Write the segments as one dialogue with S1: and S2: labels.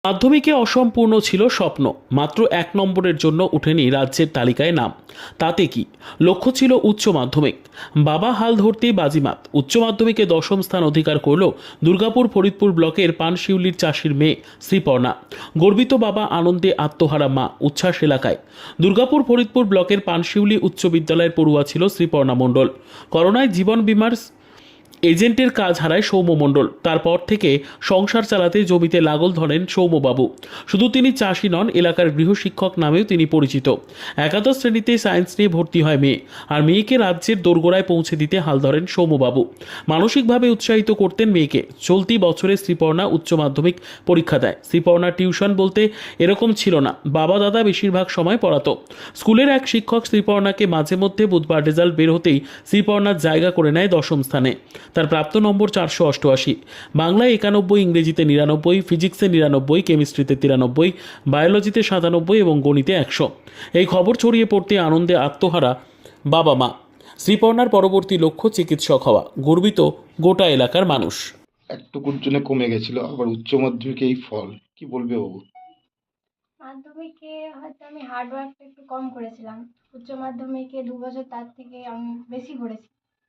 S1: মাধ্যমিকে অসম্পূর্ণ ছিল স্বপ্ন, মাত্র ১ নম্বরের জন্য ওঠেনি রাজ্যের তালিকায় নাম। তাতে কি, লক্ষ্য ছিল উচ্চ মাধ্যমিক। বাবা হাল ধরতেই বাজিমাত, উচ্চ মাধ্যমিকে ১০ম স্থান অধিকার করল দুর্গাপুর ফরিদপুর ব্লকের পানশিউলির চাষির মেয়ে শ্রীপর্ণা। গর্বিত বাবা, আনন্দে আত্মহারা মা, উচ্ছ্বাস এলাকায়। দুর্গাপুর ফরিদপুর ব্লকের পানশিউলি উচ্চ বিদ্যালয়ের পড়ুয়া ছিল শ্রীপর্ণা মণ্ডল। করোনায় জীবন বীমার এজেন্টের কাজ হারায় সৌম্য মণ্ডল। তারপর থেকে সংসার চালাতে জমিতে লাগল ধরেন সৌম্যবাবু। শুধু তিনি চাষি নন, এলাকার গৃহশিক্ষক নামেও তিনি পরিচিত। একাদশ শ্রেণীতে সায়েন্স নিয়ে ভর্তি হয় মেয়ে, আর মেয়েকে রাজ্যের দোরগোড়ায় পৌঁছে দিতে হাল ধরেন সৌম্যবাবু। মানসিকভাবে উৎসাহিত করতেন মেয়েকে। চলতি বছরে শ্রীপর্ণা উচ্চ মাধ্যমিক পরীক্ষা দেয়। শ্রীপর্ণার টিউশন বলতে এরকম ছিল না, বাবা দাদা বেশিরভাগ সময় পড়াতো। স্কুলের এক শিক্ষক শ্রীপর্ণাকে মাঝে মধ্যে বুধবার রেজাল্ট বের হতেই শ্রীপর্ণার জায়গা করে নেয় ১০ম স্থানে। তার প্রাপ্ত নম্বর ৪৮৮, বাংলায় ৯১, ইংরেজিতে ৯৯, ফিজিক্সে ৯৯, কেমিস্ট্রিতে ৯৩, বায়োলজিতে ৯৭ এবং গণিতে ১০০। এই খবর ছড়িয়ে পড়তে আনন্দে আত্মহারা বাবা মা। শ্রীপর্ণার পরবর্তী লক্ষ্য চিকিৎসক হওয়া, গর্বিত গোটা এলাকার মানুষ।
S2: একটুকুর জন্য কমে গেছিল, আবার উচ্চ মাধ্যমিকে এই ফল, কি বলবে বাবু?
S3: মাধ্যমিকে হয়তো আমি হার্ড ওয়ার্কটা একটু কম করেছিলাম। উচ্চ মাধ্যমিকে ২ বছর তার থেকে আমি বেশি করেছি।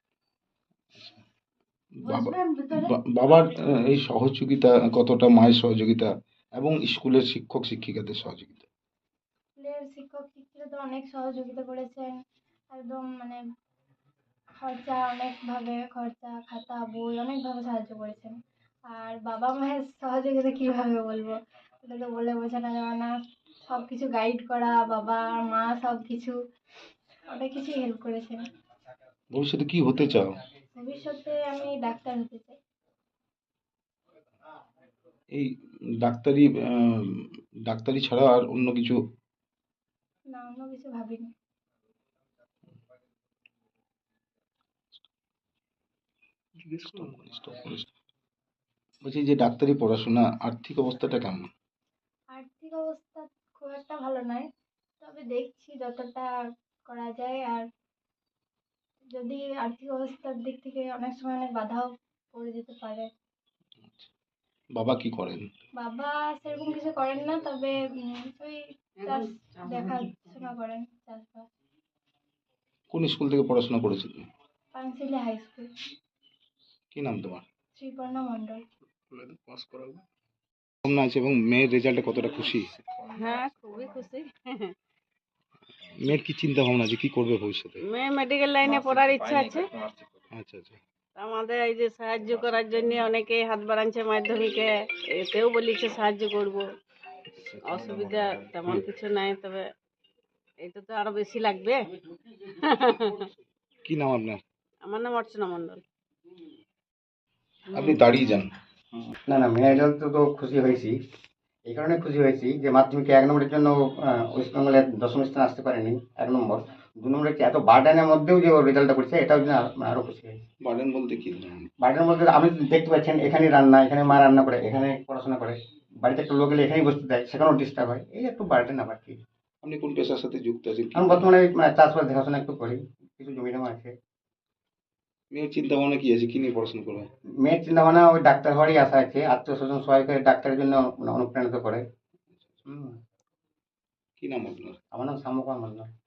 S2: বাবার এই সহযোগিতা কতটা, মায়ের সহযোগিতা এবং স্কুলের শিক্ষক শিক্ষিকাদের সহযোগিতা?
S3: স্কুলের শিক্ষক শিক্ষিকা তো অনেক সহযোগিতা করেছেন। একদম মানে খরচা, খাতা, বই অনেকভাবে সাহায্য করেছেন। আর বাবা মায়ের সহযোগিতা কিভাবে বলবো, ওটা তো বলে বোঝানো যাবে না। সব কিছু গাইড করা, বাবা আর মা সব কিছু অনেক কিছুই হেল্প করেছেন।
S2: ভবিষ্যতে কি হতে চাও?
S3: ভবিষ্যতে আমি ডাক্তার হতে চাই।
S2: এই ডাক্তারি ডাক্তারি ছাড়া আর অন্য কিছু?
S3: না, অন্য কিছু ভাবিনি।
S2: বলছি যে ডাক্তারি পড়াশোনা আর্থিক অবস্থাটা কেমন?
S3: আর্থিক অবস্থা খুব একটা ভালো নয়, তবে দেখছি যতটা করা যায়। আর যদি আর্থিক অবস্থার দিক থেকে অনেক সময় অনেক বাধাও পড়ে যেতে পারে।
S2: বাবা কি করেন?
S3: বাবা সেরকম কিছু করেন না, তবে ওই চাষ দেখাশোনা করেন, চাষবাস।
S2: কোন স্কুল থেকে পড়াশোনা করেছো তুমি?
S3: Panshili high school.
S2: কি নাম তোমার?
S3: শ্রীপর্ণা মণ্ডল।
S2: কেমন আছে এবং মেয়ের রেজাল্টে কতটা খুশি?
S4: হ্যাঁ, খুবই খুশি।
S2: মেয়ের কি চিন্তা ভাবনা আছে, কি করবে ভবিষ্যতে?
S4: মেয়ে মেডিকেল লাইনে পড়ার ইচ্ছা আছে।
S2: আচ্ছা আচ্ছা।
S4: আমাদের এই যে সাহায্য করার জন্য অনেকে হাত বাড়াচ্ছে, মাধ্যমিকে এতেও বলেছে সাহায্য করব। অসুবিধা তেমন কিছু নাই, তবে এটা তো আরো বেশি লাগবে।
S2: কি নাম আপনার?
S4: আমার নাম অর্চনা মণ্ডল।
S2: আপনি দাঁড়িয়ে যান।
S5: না না, মেয়ের রেজাল্ট তো খুশি হয়েছি। এই কারণে খুশি হয়েছি যে মাধ্যমিকে ১ নম্বরের জন্য ওয়েস্ট বেঙ্গলে ১০ম স্থানে আসতে পারেনি, ১ নম্বর। ২ নম্বরে এত বার্ডেনের মধ্যেও যে ওর রেজাল্টটা করছে, এটাও জন্য আরও খুশি হয়েছি।
S2: বার্ডেন বলতে কি?
S5: বার্ডেনের মধ্যে আপনি দেখতে পাচ্ছেন, এখানে রান্না, এখানে মা রান্না করে, এখানে পড়াশোনা করে, বাড়িতে একটা লোক এলে এখানেই বসতে দেয়, সেখানেও ডিস্টার্ব হয়। এই একটু বার্ডেন আবার কি।
S2: আপনি কোন পেশার সাথে যুক্ত আছেন?
S5: আমি বর্তমানে চাষবাস দেখাশোনা একটু করি, কিছু জমি জমা আছে।
S2: মেয়ের চিন্তা ভাবনা কি আছে, কি নিয়ে পড়াশোনা করবে?
S5: মেয়ের চিন্তা ভাবনা ওই ডাক্তার হওয়ারই আশা আছে। আত্মীয় স্বজন সবাই করে ডাক্তারের জন্য অনুপ্রাণিত করে।
S2: কি নাম আপনার?
S5: আমার নাম শ্যামকুমার মণ্ডল।